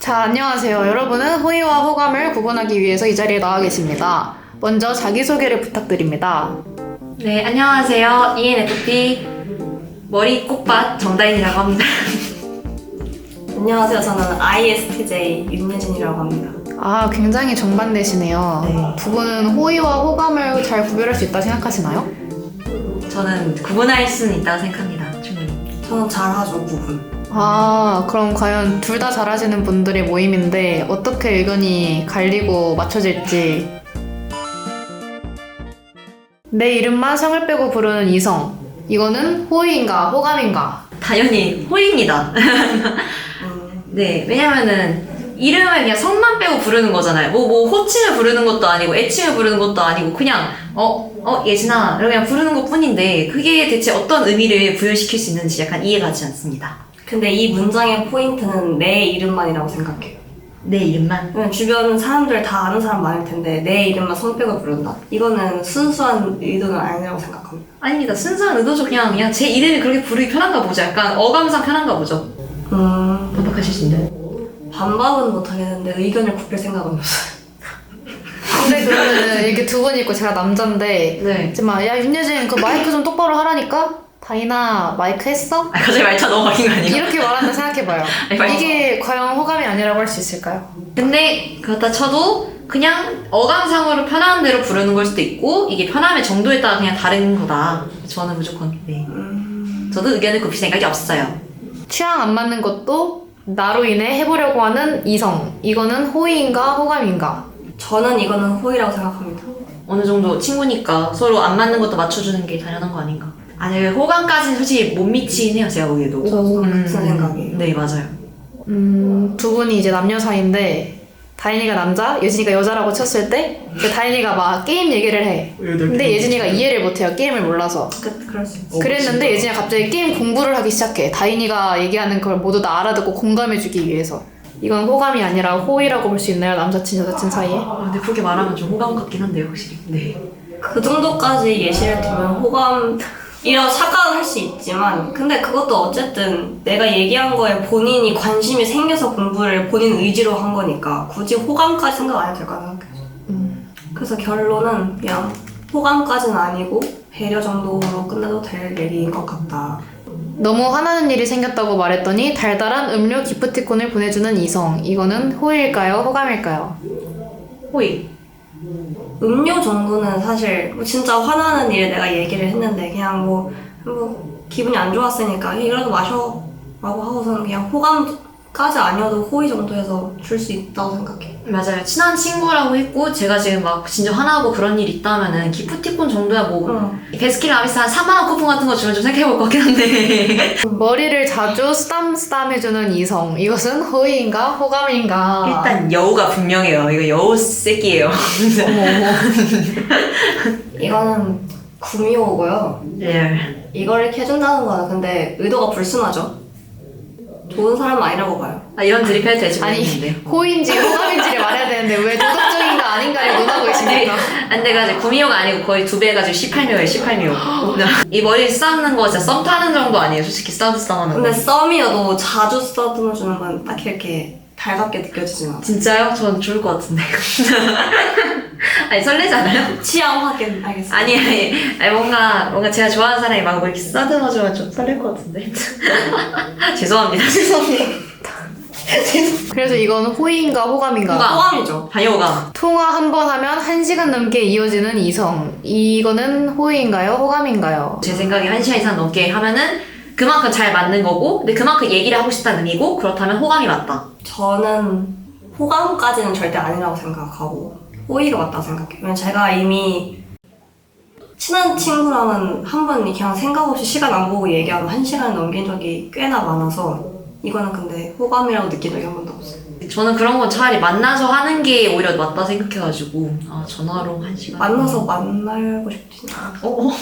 자, 안녕하세요. 여러분은 호의와 호감을 구분하기 위해서 이 자리에 나와 계십니다. 먼저 자기소개를 부탁드립니다. 네, 안녕하세요. ENFP 머리 꽃밭 정다인이라고 합니다. 안녕하세요. 저는 ISTJ 윤예진이라고 합니다. 아, 굉장히 정반대시네요. 네. 두 분은 호의와 호감을 잘 구별할 수 있다 생각하시나요? 저는 구분할 수는 있다고 생각합니다. 충분히. 저는 잘하죠, 구분. 아, 그럼 과연 둘 다 잘하시는 분들의 모임인데 어떻게 의견이 갈리고 맞춰질지. 내 이름만 성을 빼고 부르는 이성. 이거는 호의인가 호감인가? 당연히 호의입니다. 네, 왜냐면은 이름을 그냥 성만 빼고 부르는 거잖아요. 뭐 호칭을 부르는 것도 아니고 애칭을 부르는 것도 아니고 그냥 예진아 이렇게 그냥 부르는 것 뿐인데 그게 대체 어떤 의미를 부여시킬 수 있는지 약간 이해가 가지 않습니다. 근데 이 문장의 포인트는 내 이름만이라고 생각해요. 내 이름만? 왜냐면 주변 사람들 다 아는 사람 많을 텐데 내 이름만 손 빼고 부른다? 이거는 순수한 의도는 아니라고 생각합니다. 아닙니다. 순수한 의도죠. 그냥 제 이름이 그렇게 부르기 편한가 보죠. 약간 어감상 편한가 보죠. 반박하실 수 있나요? 반박은 못하겠는데 의견을 굽힐 생각은 없어요. 근데 그러면은 이렇게 두 분 있고 제가 남잔데 네. 이제 막 야 윤여진 그 마이크 좀 똑바로 하라니까? 다이나 마이크 했어? 갑자기 말차 넘어가긴 거 아니에요? 이렇게 말한다 생각해봐요. 이게 과연 호감이 아니라고 할 수 있을까요? 근데 그렇다 쳐도 그냥 어감상으로 편한 대로 부르는 걸 수도 있고 이게 편함의 정도에 따라 그냥 다른 거다. 저는 무조건 네. 저도 의견을 굽힐 생각이 없어요. 취향 안 맞는 것도 나로 인해 해보려고 하는 이성. 이거는 호의인가 호감인가? 저는 이거는 호의라고 생각합니다. 어느 정도 친구니까 서로 안 맞는 것도 맞춰주는 게 당연한 거 아닌가. 아니 호감까지는 솔직히 못 미치긴 해요. 제가 보기에도. 저도 같은 생각이에요. 네 맞아요. 두 분이 이제 남녀 사이인데 다인이가 남자, 예진이가 여자라고 쳤을 때 이제 다인이가 막 게임 얘기를 해. 근데 예진이가 이해를 못해요. 게임을 몰라서. 그럴 수 있어요. 그랬는데 예진이가 갑자기 게임 공부를 하기 시작해. 다인이가 얘기하는 걸 모두 다 알아듣고 공감해주기 위해서. 이건 호감이 아니라 호의라고 볼 수 있나요? 남사친, 여사친 사이에? 근데 그렇게 말하면 좀 호감 같긴 한데요, 확실히. 네. 그 정도까지 예시를 들면 호감이라고 착각을 할 수 있지만 근데 그것도 어쨌든 내가 얘기한 거에 본인이 관심이 생겨서 공부를 본인 의지로 한 거니까 굳이 호감까지 생각 안 해도 될 거라 생각해요. 그래서 결론은 그냥 호감까지는 아니고 배려 정도로 끝내도 될 얘기인 것 같다. 너무 화나는 일이 생겼다고 말했더니 달달한 음료 기프티콘을 보내주는 이성. 이거는 호의일까요? 호감일까요? 호의. 음료 정도는 사실 뭐 진짜 화나는 일을 내가 얘기를 했는데 그냥 뭐 기분이 안 좋았으니까 이거라도 마셔 라고 하고서는 그냥 호감까지 아니어도 호의 정도에서 줄 수 있다고 생각해. 맞아요. 친한 친구라고 했고 제가 지금 막 진짜 화나고 그런 일 있다면은 기프티콘 정도야 뭐 베스킨라빈스 한 4만원 쿠폰 같은 거 주면 좀 생각해볼 것 같긴 한데 머리를 자주 쓰담쓰담 해주는 이성. 이것은 호의인가? 호감인가? 일단 여우가 분명해요. 이거 여우 새끼예요. 이거는 구미호고요. 네. 이걸 이렇게 해준다는 거는 근데 의도가 불순하죠. 좋은 사람은 아니라고 봐요. 이런 드립 해도 될지 아니, 모르겠는데. 호의인지 호감인지를 말해야 되는데 왜 도덕적인가 아닌가를 논하고 계십니까? 안 돼가지고 9미호가 아니고 거의 2배 해가지고 18미호예요. 18미호. 이 머리 싸는 거 진짜 썸 타는 정도 아니에요. 솔직히 싸움하는 거. 근데 썸이어도 자주 써주는 건 딱히 이렇게 달갑게 느껴지진 않아요. 진짜요? 전 좋을 것 같은데. 아니 설레잖아요? 취향 확인 알겠습니다. 아니 뭔가 제가 좋아하는 사람이 막 이렇게 써듬어주면 좀 설렐 것 같은데. 죄송합니다. 그래서 이건 호의인가 호감인가? 호감이죠. 반여호감. 통화 한 번 하면 1시간 넘게 이어지는 이성. 이거는 호의인가요? 호감인가요? 제 생각에 1시간 이상 넘게 하면은 그만큼 잘 맞는 거고 근데 그만큼 얘기를 하고 싶다는 의미고 그렇다면 호감이 맞다. 저는 호감까지는 절대 아니라고 생각하고 호의가 맞다고 생각해요. 왜냐면 제가 이미 친한 친구랑은 한 번 그냥 생각 없이 시간 안 보고 얘기하면 1시간을 넘긴 적이 꽤나 많아서 이거는 근데 호감이라고 느낀 적이 한 번도 없어요. 저는 그런 건 차라리 만나서 하는 게 오히려 맞다 생각해가지고 전화로 1시간 만나서 만나고 싶진 않아요.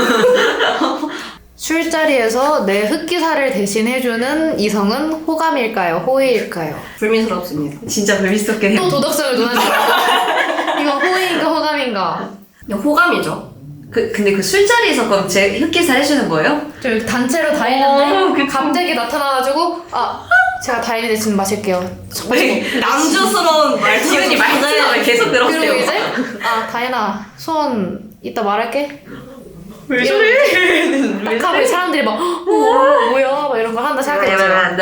술자리에서 내 흑기사를 대신해주는 이성은 호감일까요? 호의일까요? 불미스럽습니다. 진짜 재밌었게 해요. 또 도덕성을 논하지 말고 이건 호의인가 호감인가? 호감이죠. 근데 그 술자리에서 그럼 제 흑기사 해주는 거예요? 저 단체로 다 했는데 갑자기 나타나가지고 제가 다인이 대신 마실게요. 네. 남주스러운 말투. 지훈이 말투가 계속 그리고 늘었대요. 이제 다인아 소원 이따 말할게. 왜 저래? 딱 하고 이 사람들이 막 뭐야 막 이런 거 한다 생각했죠.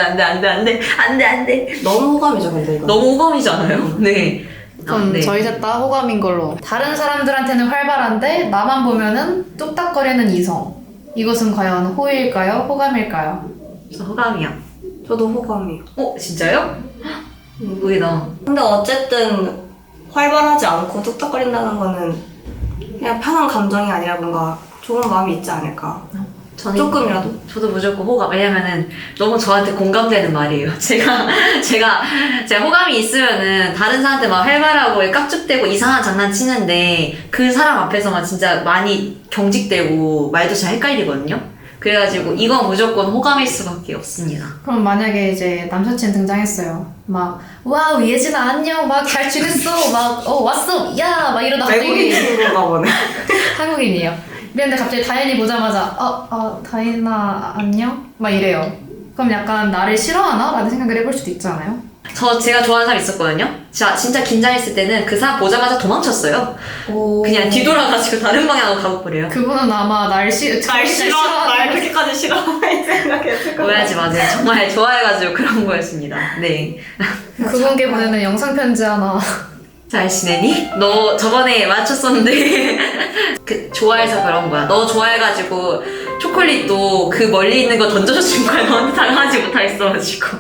안돼. 너무 호감이죠, 근데 이거. 너무 호감이잖아요. 네. 그럼 네. 저희 셋 다 호감인 걸로. 다른 사람들한테는 활발한데 나만 보면은 뚝딱거리는 이성. 이것은 과연 호의일까요? 호감일까요? 저 호감이야. 저도 호감이요. 진짜요? 의외다. 근데 어쨌든 활발하지 않고 뚝딱거린다는 거는 그냥 편한 감정이 아니라 뭔가 좋은 마음이 있지 않을까. 저는 조금이라도. 저도 무조건 호감. 왜냐면은 너무 저한테 공감되는 말이에요. 제가 호감이 있으면은 다른 사람한테 막 활발하고 깍죽대고 이상한 장난 치는데 그 사람 앞에서만 진짜 많이 경직되고 말도 잘 헷갈리거든요. 그래가지고 이건 무조건 호감일 수밖에 없습니다. 그럼 만약에 이제 남사친 등장했어요. 막 와우 예진아 안녕 막 잘 지냈어 막 왔어 야 막 이러다 외국인 갑자기 친구가 보네. 한국인이에요. 이랬는데 갑자기 다인이 보자마자 다인아 안녕 막 이래요. 그럼 약간 나를 싫어하나? 라는 생각을 해볼 수도 있잖아요. 제가 좋아하는 사람 있었거든요. 진짜 긴장했을 때는 그 사람 보자마자 도망쳤어요. 그냥 뒤돌아가지고 다른 방향으로 가고버려요. 그분은 아마 날 그렇게까지 싫어하는 생각했을 거예요. 오해하지 마세요. 정말 좋아해가지고 그런 거였습니다. 네. 그분께 보내는 영상 편지 하나. 잘 지내니? 너 저번에 맞췄었는데 좋아해서 그런 거야. 너 좋아해가지고 초콜릿도 그 멀리 있는 거 던져준 거야. 너한테 당하지 못하겠어가지고.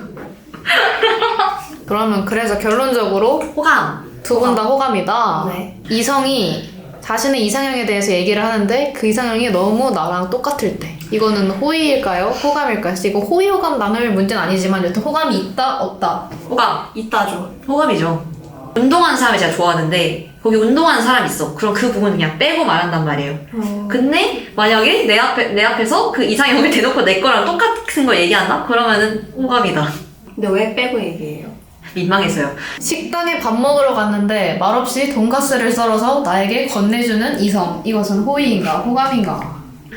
그러면 그래서 결론적으로 호감. 두 분 다 호감이다. 네. 이성이 자신의 이상형에 대해서 얘기를 하는데 그 이상형이 너무 나랑 똑같을 때 이거는 호의일까요? 호감일까요? 이거 호의 호감 나눌 문제는 아니지만 여튼 호감이 있다 없다. 호감. 있다죠. 호감이죠. 운동하는 사람을 제가 좋아하는데 거기 운동하는 사람이 있어. 그럼 그 부분 그냥 빼고 말한단 말이에요. 근데 만약에 내 앞에서 그 이상형을 대놓고 내 거랑 똑같은 걸 얘기한다? 그러면은 호감이다. 근데 왜 빼고 얘기해요? 민망해서요. 식당에 밥 먹으러 갔는데 말없이 돈가스를 썰어서 나에게 건네주는 이성. 이것은 호의인가 호감인가?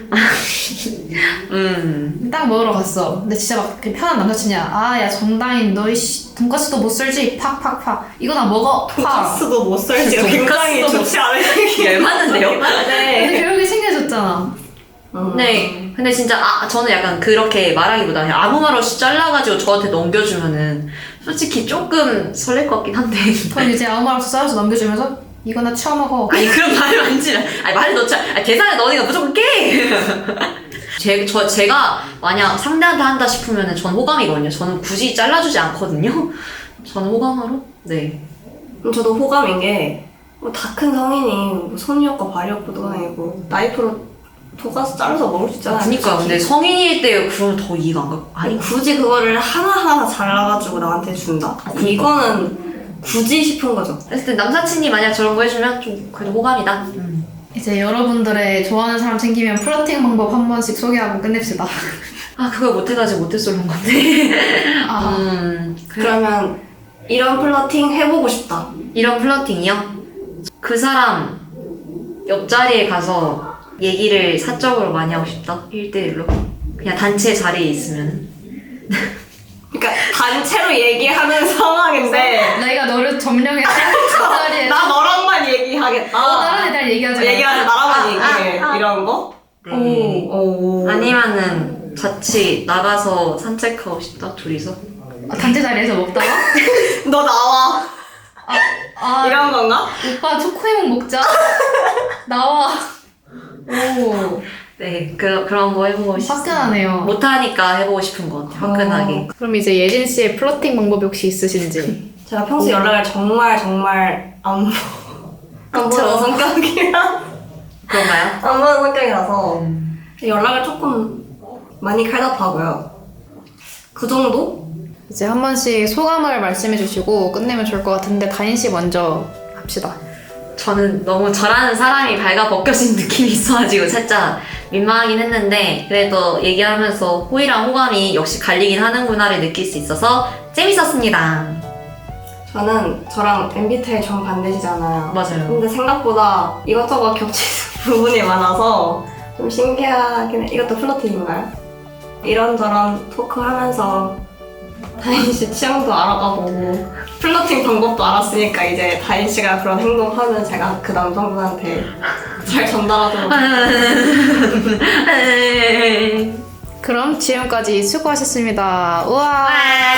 딱 먹으러 갔어. 근데 진짜 막 편한 남자친이야. 야 정다인 너 돈가스도 못 썰지? 팍팍팍. 이거 나 먹어. 팍. 돈가스도 못 썰지. 굉장히 돈가스도 좋지 않은 얘기. 열받는데요? 근데 결국에 생겨졌잖아. 네. 근데 진짜 저는 약간 그렇게 말하기보다 그냥 아무 말 없이 잘라가지고 저한테 넘겨주면은 솔직히 조금 설렐 것 같긴 한데. 그럼 이제 아무 말 없이 썰어서 넘겨주면서 이거 나 치워 먹어. 아니 그런 말을 만지면 말을 넣자. 계산에 넣으니까 무조건 깨. 제가 만약 상대한테 한다 싶으면은 전 호감이거든요. 저는 굳이 잘라주지 않거든요. 저는 호감으로. 네. 저도 호감인 게 다 큰 성인이 뭐 손이었고 발이었고도 아니고 나이프로 돈가스 잘라서 먹을 수 있잖아요. 그니까 근데 성인일 때 그러면 더 이해가 안 가. 아니 굳이 그거를 하나하나 잘라가지고 나한테 준다? 이거는 굳이 싶은 거죠. 그랬을 때 남사친이 만약 저런 거 해주면 좀 그래도 호감이다. 이제 여러분들의 좋아하는 사람 생기면 플러팅 방법 한 번씩 소개하고 끝냅시다. 그걸 못해가지고 못했었는 건데. 그러면 이런 플러팅 해보고 싶다. 이런 플러팅이요? 그 사람 옆자리에 가서 얘기를 사적으로 많이 하고 싶다. 1대1로. 그냥 단체 자리에 있으면. 그러니까 단체로 얘기하는 상황인데 내가 너를 점령해서 그 자리에 나 너랑만 얘기하겠다. 다른 애들 얘기하지 마. 얘기하지 나랑만 얘기해. 이런 거? 네. 오. 아니면은 같이 나가서 산책하고 싶다. 둘이서. 단체 자리에서 먹다가 너 나와. 이런 건가? 오빠 초코에몽 먹자. 나와. 오. 네, 그런 거 해보고 싶어요. 화끈하네요. 못하니까 해보고 싶은 것 같아요. 화끈하게. 그럼 이제 예진 씨의 플러팅 방법이 혹시 있으신지? 제가 평소 연락을 정말 안 보는 성격이라 그런가요? 안 보는 성격이라서 연락을 조금 많이 칼답하고요. 그 정도? 이제 한 번씩 소감을 말씀해 주시고 끝내면 좋을 것 같은데 다인 씨 먼저 합시다. 저는 너무 저라는 사람이 발가 벗겨진 느낌이 있어가지고 살짝 민망하긴 했는데 그래도 얘기하면서 호의랑 호감이 역시 갈리긴 하는구나를 느낄 수 있어서 재밌었습니다. 저는 저랑 MBTI 정반대시잖아요. 맞아요. 근데 생각보다 이것저것 겹치는 부분이 많아서 좀 신기하긴 해. 이것도 플러팅인가요? 이런저런 토크하면서 다인 씨 취향도 알아가보고 플러팅 방법도 알았으니까 이제 다인 씨가 그런 행동하면 제가 그 남성분한테 잘 전달하도록 그럼 지금까지 수고하셨습니다. 우와.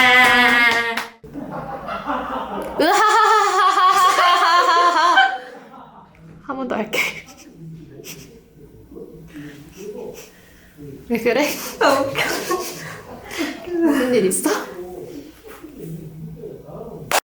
으하하하하하하하하. 한 번 더 할게. 왜 그래? 아, 웃겨. 무슨 일 있어?